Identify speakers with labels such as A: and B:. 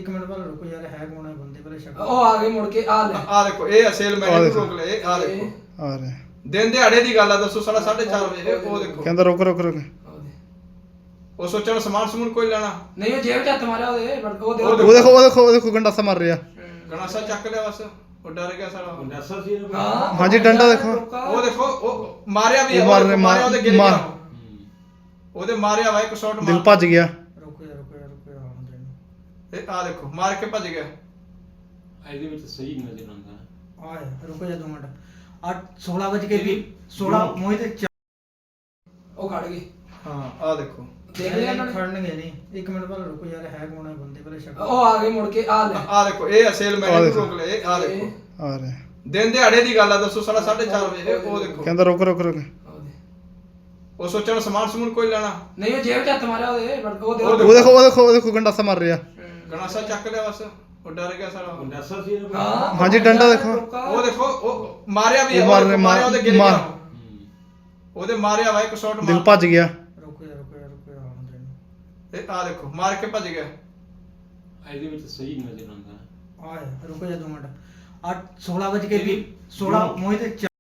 A: ਇੱਕ ਮਿੰਟ ਪਹਿਲਾਂ ਰੁਕੋ ਯਾਰ, ਹੈ ਕੌਣ ਹੈ ਬੰਦੇ ਪਹਿਲੇ ਸ਼ੱਕ।
B: ਉਹ ਆ ਗਏ ਮੁੜ ਕੇ ਆ ਲੈ
C: ਆ ਦੇਖੋ ਇਹ ਸੇਲਮੈਨ ਨੂੰ ਰੋਕ ਲਏ। ਆ ਦੇਖੋ
D: ਆ ਰਿਹਾ
C: ਦਿਨ ਦਿਹਾੜੇ ਦੀ ਗੱਲ ਆ, ਦੱਸੋ ਸਾਲਾ 4:30 ਵਜੇ। ਉਹ ਦੇਖੋ
D: ਕਹਿੰਦਾ ਰੁਕ ਰੁਕ ਰੁਕ
C: ਉਹ ਸੋਚਣ ਸਮਾਨ ਸਮੂਨ ਕੋਈ ਲੈਣਾ
B: ਨਹੀਂ, ਉਹ ਜੇਬ ਚ ਹੱਥ ਮਾਰਿਆ ਉਹਦੇ ਉਹ ਦੇ
D: ਉਹ ਦੇਖੋ ਗੰਡਾਸਾ ਮਾਰ ਰਿਹਾ।
C: ਗਣਾਸਾ ਚੱਕ ਲਿਆ ਬਸ, ਉਹ ਡਰ ਗਿਆ ਸਾਲਾ।
E: ਗੰਡਾਸਾ ਸੀ ਇਹਨੂੰ।
B: ਹਾਂ
D: ਹਾਂਜੀ, ਡੰਡਾ ਦੇਖੋ।
C: ਉਹ ਦੇਖੋ ਉਹ ਮਾਰਿਆ ਵੀ ਆ,
D: ਉਹ
C: ਮਾਰਿਆ ਉਹਦੇ ਗਿਰ
D: ਮਾਰ-
C: ਗਿਆ, ਉਹਦੇ ਮਾਰਿਆ ਵਾ ਇੱਕ ਸ਼ਾਟ
D: ਦਿਲ
C: ਮਾਰ।
D: ਭੱਜ ਗਿਆ।
A: ਰੁਕੋ ਯਾਰ, ਰੁਕੋ ਯਾਰ, ਰੁਕੋ ਯਾਰ, ਆਉਣ ਦੇ ਇਹਨੂੰ।
C: ਇਹ ਆ ਦੇਖੋ ਮਾਰ ਕੇ ਭੱਜ ਗਿਆ।
E: ਇਹਦੇ ਵਿੱਚ ਸਹੀ ਨਜ਼ਰ ਆਉਂਦਾ।
A: ਆ ਯਾਰ, ਰੁਕੋ ਯਾਰ 2 ਮਿੰਟ। 16 ਵਜੇ ਕੇ ਵੀ 16 ਮੋਹਿਤ
B: ਉਹ ਖੜ ਗਏ।
C: ਹਾਂ ਆ ਦੇਖੋ
B: ਦੇਖ ਲਿਆ ਉਹਨਾਂ ਨੇ।
A: ਖੜਨਗੇ ਨਹੀਂ, ਇੱਕ ਮਿੰਟ ਪਹਿਲਾਂ ਰੁਕੋ ਯਾਰ, ਹੈ ਕੌਣ ਹੈ ਬੰਦੇ ਪਹਿਲੇ ਸ਼ੱਕ।
B: ਉਹ ਆ ਗਏ ਮੁੜ ਕੇ ਆ ਲੈ
C: ਆ ਦੇਖੋ ਇਹ ਸੇਲਮੈਨ ਨੂੰ ਰੋਕ ਲਏ। ਆ ਦੇਖੋ
D: ਆ ਰਿਹਾ
C: ਦਿਨ ਦਿਹਾੜੇ ਦੀ ਗੱਲ ਆ, ਦੱਸੋ ਸਾਲਾ 4:30 ਵਜੇ। ਉਹ ਦੇਖੋ
D: ਕਹਿੰਦਾ ਰੁਕ ਰੁਕ ਰੁਕ
C: ਉਹ ਸੋਚਣ ਸਮਾਨ ਸਮੂਨ ਕੋਈ ਲੈਣਾ
B: ਨਹੀਂ, ਉਹ ਜੇਬ ਚ ਹੱਥ ਮਾਰਿਆ ਉਹਦੇ
D: ਉਹ ਦੇਖੋ ਗੰਡਾਸਾ ਮਾਰ ਰਿਹਾ।
C: ਗਣਾਸਾ ਚੱਕ ਲਿਆ ਬਸ, ਉਹ ਡਰ ਗਿਆ ਸਾਲਾ।
E: ਗੰਡਾਸਾ ਸੀ ਇਹਨੂੰ।
B: ਹਾਂ
D: ਹਾਂਜੀ, ਡੰਡਾ ਦੇਖੋ।
C: ਉਹ ਦੇਖੋ ਉਹ ਮਾਰਿਆ ਵੀ ਆ, ਮਾਰਿਆ ਉਹਦੇ ਗਿਰ ਗਿਆ, ਉਹਦੇ ਮਾਰਿਆ ਵਾ ਇੱਕ ਸ਼ਾਟ
D: ਦਿਲ
C: ਮਾਰ।
D: ਭੱਜ ਗਿਆ।
A: ਰੁਕੋ ਯਾਰ, ਰੁਕੋ ਯਾਰ, ਰੁਕੋ ਯਾਰ, ਆਉਣ ਦੇ ਇਹਨੂੰ।
C: ਇਹ ਆ ਦੇਖੋ ਮਾਰ ਕੇ ਭੱਜ ਗਿਆ।
E: ਇਹਦੇ ਵਿੱਚ ਸਹੀ ਨਜ਼ਰ ਆਉਂਦਾ।
A: ਆ ਯਾਰ, ਰੁਕੋ ਯਾਰ 2 ਮਿੰਟ। 16 ਵਜੇ ਕੇ ਵੀ 16 ਮੋਹਿਤ